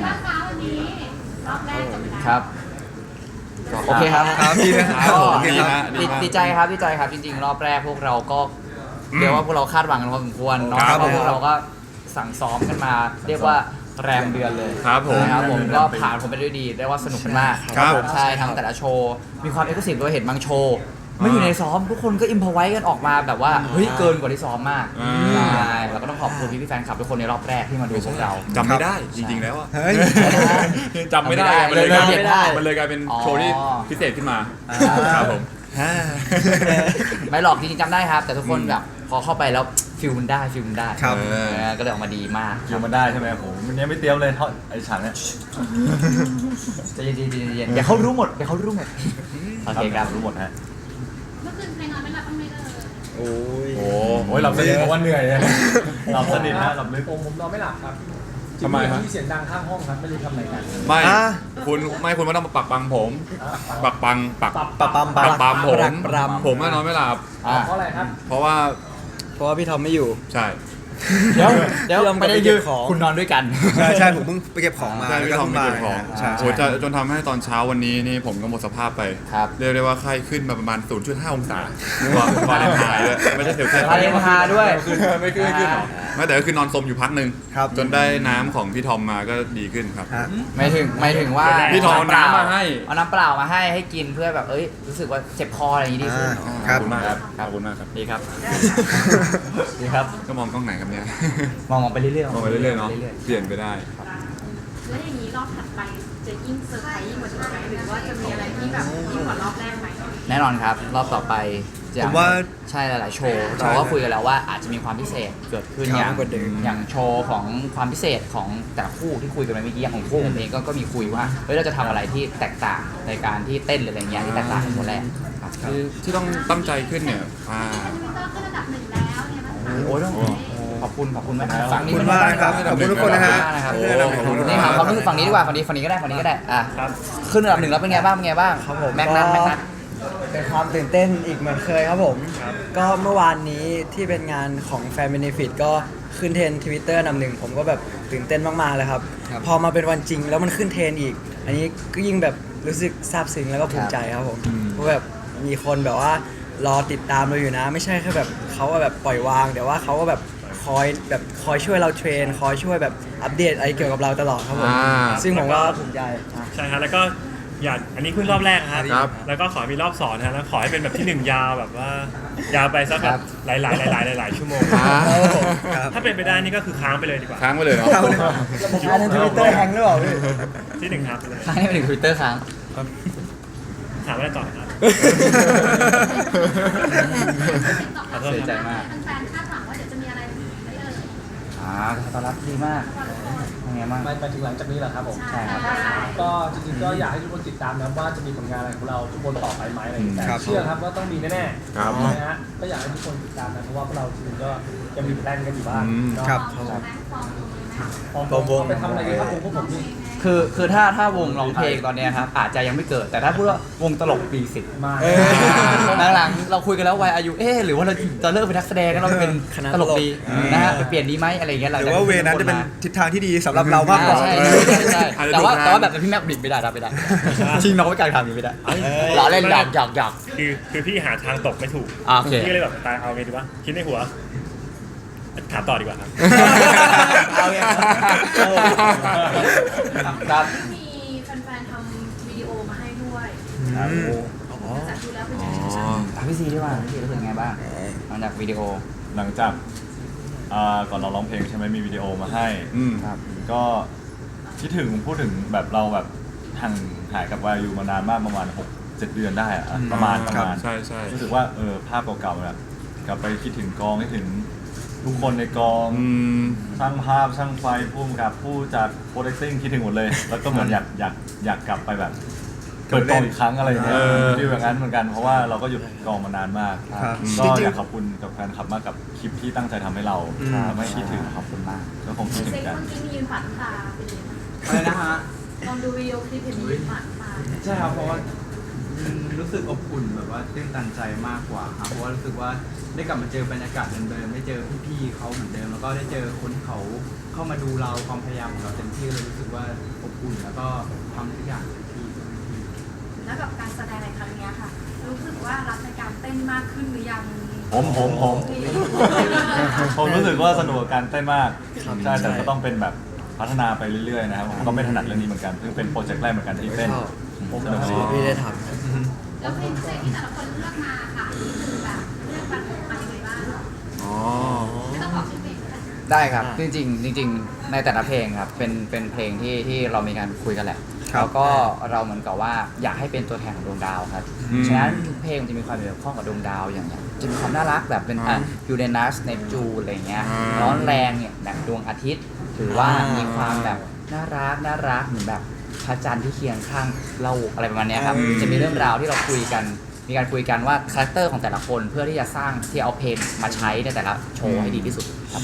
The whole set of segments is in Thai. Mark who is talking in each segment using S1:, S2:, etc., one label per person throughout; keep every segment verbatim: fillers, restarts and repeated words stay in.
S1: บ้างคะวันนี้รอบแรกจบแล้ว
S2: ครับโอเคครับ
S3: ครับดีนะครับ
S2: ก็
S3: โอเคครับ
S2: ดีดีใจครับดีใจครับจริงๆ รอบแรกพวกเราก็เรียกว่าพวกเราคาดหวังกันพอสมควรเนาะ
S3: ครับ
S2: เพราะ
S3: ผม
S2: พวกเราก็สั่งซ้อมกันมา เรียกว่าแรมเดือนเลย
S4: ครับผม
S2: นะครับผมก็ผ่านผมไปด้วยดีเรียกว่าสนุกกันมาก
S3: ครับ
S2: ใช่ทั้งแต่ละโชว์มีความเอกลักษณ์ด้วยเห็นบางโชว์ไม่อยู่ในซ้อมทุกคนก็อิมพอไว้กันออกมาแบบว่าเฮ้ยเกินกว่าที่ซ้อมมาก
S4: อ่า
S2: ใช่แล้วก็ต้องขอบคุณพี่ๆแฟนคลับทุกคนในรอบแรกที่มาดูพวกเรา
S4: จำไม่ได้จริงๆแล้วอะ
S3: เฮ้ย
S4: จำไม่ได้มันเลย
S2: จำ
S4: กลาย
S2: ไม่
S4: เป็น
S2: ได้
S4: มันเลยกลายเป็นโชว์ที่
S2: อ๋อ
S4: พิเศษขึ้นมา
S2: อ่า
S4: ครับผม
S2: ไม่หรอกจริงๆจำได้ครับ แต่ทุกคน
S4: อืม
S2: แบบพอเข้าไปแล้วฟิลมันได้ฟิลมันได้
S3: ครับ
S2: เออก็เลยออกมาดีมาก
S5: คิวมันได้ใช่ไหมผมวันนี้ไม่เตรียมเลยเท่าไอ้ฉากเนี้ย
S2: ใจเย็นๆใจเย็นๆเดี๋ยวเขารู้หมดเดี๋ยวเขารู้หมดโอเคครับ
S5: รู้หมดฮะ
S1: เมื่อคืนใครนอนไม่หลับบ้างไหมเอ่ย
S3: โอ้ย
S5: โอ้โหหลับสนิทเพราะว่าเหนื่อยเนี่ยหลับสนิทนะหลับลึก
S6: ผมผมนอนไม่หลับครับ
S4: ทำไมครับ
S6: ที่เสียงดังข้างห้องครับไม่รู้ทำอะไรกัน
S4: ไม่
S3: อ่ะ
S4: คุณไม่คุณไม่ต้องมาปักปังผม ปักปังปัก
S6: ปรับ
S3: ปะปั๊ม
S4: ปักปังผม
S3: ปรักปรำ
S4: ผมก็นอนไม่หลับ
S2: อ่ะ
S6: เพราะอะไรครับ
S4: เพราะว่า
S3: เพราะว่าพี่ทอมไม่อยู่
S4: ใช่
S2: เดี๋ยวเดี๋ยว
S3: พี่ยอม
S2: ไม่ได้
S3: ไปเก็
S2: ยื
S3: บ
S2: น
S3: ของ
S2: คุณนอนด้วยกัน
S3: ใช่ใช่ผมเพิ่งไปเก็บของมา
S4: ใช่
S3: แล้ว
S4: พี่
S3: ก็
S4: ทอม
S3: เพิ่ง
S4: ไม่
S3: มา
S4: เก็บของ
S3: ใช่
S4: โอ้
S3: ใช่
S4: จะจนทำให้ตอนเช้าวันนี้นี่ผมก็หมดสภาพไป
S2: ครับ
S4: เรียกได้ว่าไข้ขึ้นมาประมาณ ศูนย์จุดห้า องศาว่าว่าเลนไทน์ด้วยไม่ใช่เซลเซียส
S2: วาเลนไทน์ด้วย
S4: ไม่ขึ้นไม่ขึ้นหรอไม่แต่ก็คือนอนสมอยู่พักหนึ่ง
S3: ครับ
S4: จนได้น้ำของพี่ทอมมาก็ดีขึ้นครับ
S3: ฮะ
S2: ไม่ถึงไม่ถึงว่า
S4: พี่ทองเอาน้ำมาให้
S2: เอาน้ำเปล่ามาให้ให้กินเพื่อแบบเอ้ยรู้สึกว่าเจ็บคออะไรอย่างนี้ดีขึ้น
S3: อ่า
S4: ขอบคุณมากครับขอบคุณมากครับ
S2: ดีครับดีครับ
S4: ก็มองกล้องไหนครับเนี่ย
S2: มองมองไปเรื่อยๆ
S4: มองไปเรื่อยๆเนาะ
S2: รื่อย
S4: เปลี่ยนไปได้
S1: แล้วอย่างนี้รอบถัดไปจะยิ่งเซอร์ไพรส์ยิ่งกว่านี้ไหมหรือว่าจะมีอะไรที่แบบยิ่งกว่ารอบแรกไหม
S2: ๆแน่นอนครับรอบต่อไปจะ
S3: ผมว่า
S2: ใช่หลายๆโชว์เราก็คุยกันแล้วว่าอาจจะมีความพิเศษเกิดขึ้น
S3: ครับ
S2: อย่าง
S3: มากกว่าเดิม
S2: อย่างโชว์ของความพิเศษของแต่ละคู่ที่คุยกันไปเมื่อกี้อย่างของคู่ผมเองก็ก็มีคุยว่าเฮ้ยเราจะทำอะไรที่แตกต่างในการที่เต้นหรืออะไรเงี้ยที่แตกต่างจากคนแรกครับ
S4: ที่ที่ต้องตั้งใจขึ้นเนี่ยอ่า
S1: ทวิตเตอร์ขึ้นระดับหนึ่งแล้วเนี่ยมัน
S2: โอ้ยต้องขอบคุณขอบคุณมากฝั่ง
S3: ขอบ
S2: นี้
S3: คุณมากครับ ขอบคุณทุกคนนะฮะ
S2: นะครับ
S3: ที่ได้รับ
S4: ขอบคุณ
S2: นี่ครับความรู้สึกฝั่งนี้ดีกว่าฝั่งนี้ฝั่งนี้ก็ได้ฝั่งนี้ก็ได้อ่ะขึ้นระดับหนึ่งแล้วเป็นไงบ้างเป็นไงบ้าง
S7: ครับผม
S2: แม็กนัทแม็กนัท
S7: เป็นความตื่นเต้นอีกเหมือนเคยครับผม ก็เมื่อวานนี้ที่เป็นงานของแฟนเบเนฟิตก็ขึ้นเทรนทวิตเตอร์นำหนึ่งผมก็แบบตื่นเต้นมากๆเลยครับ
S3: ครับ
S7: พอมาเป็นวันจริงแล้วมันขึ้นเทรนอีก อันนี้ก็ยิ่งแบบรู้สึกซาบซึ้งแล้วก็ภูมิใจครับผมเพราะแบบมีคนแบบว่ารอติดตามเราอยู่นะ ไม่ใช่แค่แบบเขาว่าแบบปล่อยวางแต่ว่าเขาก็แบบคอยแบบคอยช่วยเราเทรน คอยช่วยแบบอัปเดตอะไรเกี่ยวกับเราตลอดครับผม
S4: อ่า
S7: ซึ่งผมก็ภูมิใจอ่ะ
S8: ใช่ครับแล้วก็อยากอันนี้ขึ้นรอบแรกครับ
S4: ครับ
S8: แล้วก็ขอมีรอบสองนะแล้วขอให้เป็นแบบที่หนึ่งยาวแบบว่ายาวไปสักแบบหลายๆหลายๆหลายๆชั่วโมง
S4: อ่า
S3: ครับ
S8: ถ้าเป็นไปได้นี่ก็คือค้างไปเลยดีกว่า
S4: ค้างไปเลยเนาะ
S3: เข้าเลย
S7: อันนั้นทวิตเตอร์แฮงหรือเปล่าพี่
S8: ที่หนึ่งครับไปเลย
S2: ค้างให้ไปถึงทวิตเตอร์ค้าง
S8: ถามอะไรต่อครับ ขอโทษ
S2: เสียใจ
S8: ครับ
S2: มาก
S1: แฟนๆคาดหวังว่าเดี๋ยวจะมีอะไรไหมเอ่ย
S2: อ่าตอนรับดีมากเป็นไงบ้าง
S6: ไปไปถึงหลังจากนี้เหรอครับผม
S2: ใช่ครับ
S6: ก็จริงๆก็อยากให้ทุกคนติดตามนะว่าจะมีผลงานอะไรของเราทุกคนต่อไปไหมอะไรอย่างเงี้ย
S3: ครับ
S6: เชื่อครับว่าต้องมีแน่ๆ
S4: ครับ
S6: นะฮะก็อยากให้ทุกคนติดตามนะเพราะว่าพวกเราจริงๆก็ยังมีแพลนกันอยู่บ้าง
S4: อืม
S6: เนาะ
S3: ครับ
S1: ฟอร์มไหมฟอร์มตรงไหม
S6: พร้อมๆไปทำอะไรกันครับผมพวกผมนี่
S2: คือคือถ้าถ้าวงร้องเพลงตอนเนี้ยครับอาจจะยังไม่เกิด แต่ถ้าพูดว่าวงตลกปีสิบ
S6: มา
S2: หลังๆเราคุยกันแล้ววัยอายุเอ๊ะหรือว่าเราจะเลิกเป็นนักแสดงแล้วเราเป็น
S7: คณะ
S2: ตลก
S7: ตลก
S2: ดีนะฮะไปเปลี่ยนดีไหมอะไรอย่างเงี้ย
S3: หรือว่าเวนั้นจะเป็นทิศทางที่ดีสำหรับเรามากกว่า
S2: ใช่ใช่ใช่ใช่
S4: อาจจะ
S2: แต่ว่า
S4: ดูงาน
S2: แต่ว่าแบบพี่แม็กบิดไม่ได้รับไม่ได้ชิงน้องไว้กลางทางนี้ไม่ได้ล้อเล่นหยอกหยอกหยอก
S8: คือคือพี่หาทางตกไม่ถูก
S2: อ่าโอเค
S8: พี่ก็เลยแบบตายเอาไงดีวะคิดในหัวถามต่อดีกว่าครับ
S2: เอาไงครับ
S1: มีแฟนๆทำวิดีโอมาให้ด้วย
S3: อืม
S1: จากดูแล้วเป็นยังไง
S4: อ๋อ
S2: ถามพี่ซีดีกว่าพี่ซีรู้สึกไงบ้างหลังจากวิดีโอ
S5: หลังจากอ่าก่อนเราร้องเพลงใช่ไหมมีวิดีโอมาให้
S4: อืม
S2: ครับ
S5: ก็คิดถึงพูดถึงแบบเราแบบห่างหายกับวายูมานานมากประมาณหกเจ็ดเดือนได้อะประมาณประมาณ
S4: ใช่ใช่
S5: รู้สึกว่าเออภาพเก่าๆแบบกลับไปคิดถึงกองคิดถึงทุกคนในกอง
S4: อืม
S5: ช่างภาพช่างไฟผู้กำกับผู้จัดโปรดักซิ่งคิดถึงหมดเลย แล้วก็เหมือนอยากอยากอยากกลับไปแบบเปิดกองอีกครั้งอะไรอย่างเงี้ย
S4: เออ
S5: ฟีลอย่างนั้นเหมือนกันเพราะว่าเราก็หยุดกองมานานมาก
S3: ครับ
S5: ก็
S3: จริงๆ
S5: อยากขอบคุณกับแฟนคลับมากกับคลิปที่ตั้งใจทำให้เรา
S3: อืม
S5: ทำให้คิดถึง
S2: ขอบคุณมาก
S5: ก็คงคิดถึง
S1: เซ็ก
S5: กัน
S1: เมื่อกี้มียืนฝันำตาเป็นยังไงบ้าง
S2: อะไรนะฮะ
S1: ตอนดูวิดีโอคลิปเห็นมียืนฝันำตา
S6: ใช่ครับเพราะว่า
S9: อืมรู้สึกอบอุ่นแบบว่าตื้นตันใจมากกว่าครับเพราะว่ารู้สึกว่าได้กลับมาเจอบรรยากาศเดิมๆได้เจอพี่ๆเขาเหมือนเดิม แล้วก็ได้เจอคนที่เขาเข้ามาดูเราความพยายามของเราเต็มที่เลยรู้สึกว่าอบอุ่นแล้วก็ทำทุกอย่างเต็มที่เพื่อพี่ๆ
S1: แล้วกับการแสดงในครั้งเนี้ยค่ะ รู้สึกว่ารักในการเต้นมากขึ้นหรือยัง
S5: ผมผมผมผมรู้สึกว่าสนุกกับการเต้นมาก
S7: ครับ
S5: ใช่แต่
S7: ใช่
S5: ก็ต้องเป็นแบบพัฒนาไปเรื่อยๆนะครับผมก็ไม่ถนัดเรื่องนี้เหมือนกันซึ่งเป็นโปรเจกต์แรกเหมือนกันที่เต้น
S7: ชอบ
S5: ผมสนุกดี
S7: พี่ได้ท
S1: แล้วเพลงพิเศษที่แต่ละคนเลือกมาค่ะนี่คือแบบเลือกมามายังไงบ้าง
S4: อ๋อ
S1: ไม่ต้องบอกชื่อเพลงก็ได้
S2: ได้ครับจริงๆจริงๆในแต่ละเพลงครับเป็นเป็นเพลงที่ที่เรามีการคุยกันแหละ
S3: ครับ
S2: แล้วก็เราเหมือนกับว่าอยากให้เป็นตัวแทนของดวงดาวครับ
S4: อืม
S2: ฉะนั้นทุกเพลงมันจะมีความเกี่ยวข้องกับดวงดาวอย่างอย่างจะมีความน่ารักแบบเป็นอ่ะยูเรนัสเนปจูนอะไรเงี้ย
S4: อ่า
S2: ร้อนแรงเนี่ยแบบดวงอาทิตย์ ถือว่ามีความแบบน่ารักน่ารักเหมือนแบบพระจันทร์ที่เคียงข้างเราอะไรประมาณเนี้ยครับจะมีเรื่องราวที่เราคุยกัน มีการคุยกันว่าคาแรคเตอร์ของแต่ละคนเพื่อที่จะสร้างที่เอาเพลงมาใช้ในแต่ละโชว์ให้ดีที่สุดครับ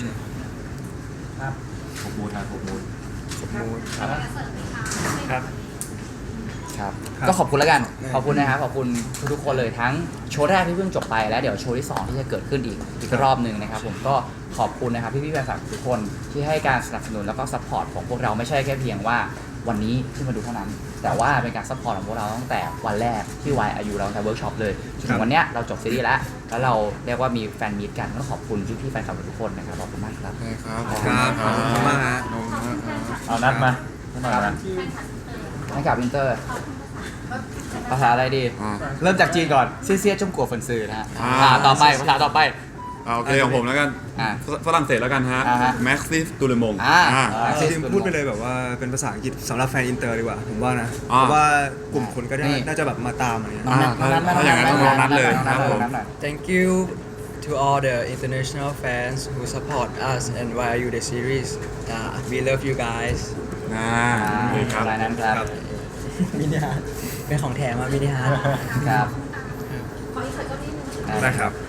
S5: ผมมูดนะผมมูด
S1: เอาไปเสิร์ฟไหมคะ
S8: ครับ
S2: ครับ
S3: ครับ
S2: ก็ขอบคุณแล้วกัน ขอบคุณนะครับ ขอบคุณทุกๆคนเลยทั้งโชว์แรกที่เพิ่งจบไปแล้วเดี๋ยวโชว์ที่สองที่จะเกิดขึ้นอีกอีกรอบหนึ่งนะครับผมก็ขอบคุณนะครับพี่ๆแฟนคลับทุกคนที่ให้การสนับสนุนแล้วก็ซัพพอร์ตของพวกเราไม่ใช่แค่เพียงว่าวันนี้ที่มาดูเท่านั้น แต่ว่าเป็นการซัพพอร์ตของพวกเราตั้งแต่วันแรกที่วายอายุเราตั้งแต่เวิร์กช็อปเลยจนถึงวันเนี้ยเราจบซีรีส์แล้วแล้วเราเรียกว่ามีแฟนมีตกันก็ขอบคุณพี่ๆแฟนคลับทุกคนนะครับขอบคุณมากครับ
S4: ใช่ครับ
S3: ครับขอบคุณมากฮะ
S4: ขอบคุณมากครับ
S5: เอานัดมาหน่อยนะ
S2: ให้กับวินเตอร์ภาษาอะไรดี
S4: อ่า
S2: เริ่มจากจีนก่อนเซี่ยเซี่ยจงกัวเฟินซือนะฮะ
S4: อ่า
S2: อ่าต่อไปภาษาต่อไป
S4: เอาโอเคของผมแล้วกัน
S2: อ่า
S4: ฝรั่งเศสแล้วกันฮะ
S2: อ่าฮะ
S4: แม็กซิสตูเลมง
S2: อ่า
S4: อ่า
S2: อ่า
S3: จริงๆพูดไปเลยแบบว่าเป็นภาษาอังกฤษสำหรับแฟนอินเตอร์ดีกว่าผมว่านะ
S4: อ่า
S3: เพราะว่ากลุ่มคนก็ได้
S2: นี่
S3: น่าจะแบบมาตามอะไรเงี้ย
S4: อ่าถ้าถ้าอย่างนั้นต้องรอนัดเลยครับผม
S7: ำ Thank you to all the international fans who support us and Y R U the series. Uh, we love you guys.
S4: อ่า
S2: อ่า
S4: โอเคครับ
S2: รายนั้นครับ
S7: มินิฮาร์ดเป็นของแถมมามินิฮาร์ด
S2: ครับ
S1: ขออีกสักก็นิดนึง
S3: ได้ครับ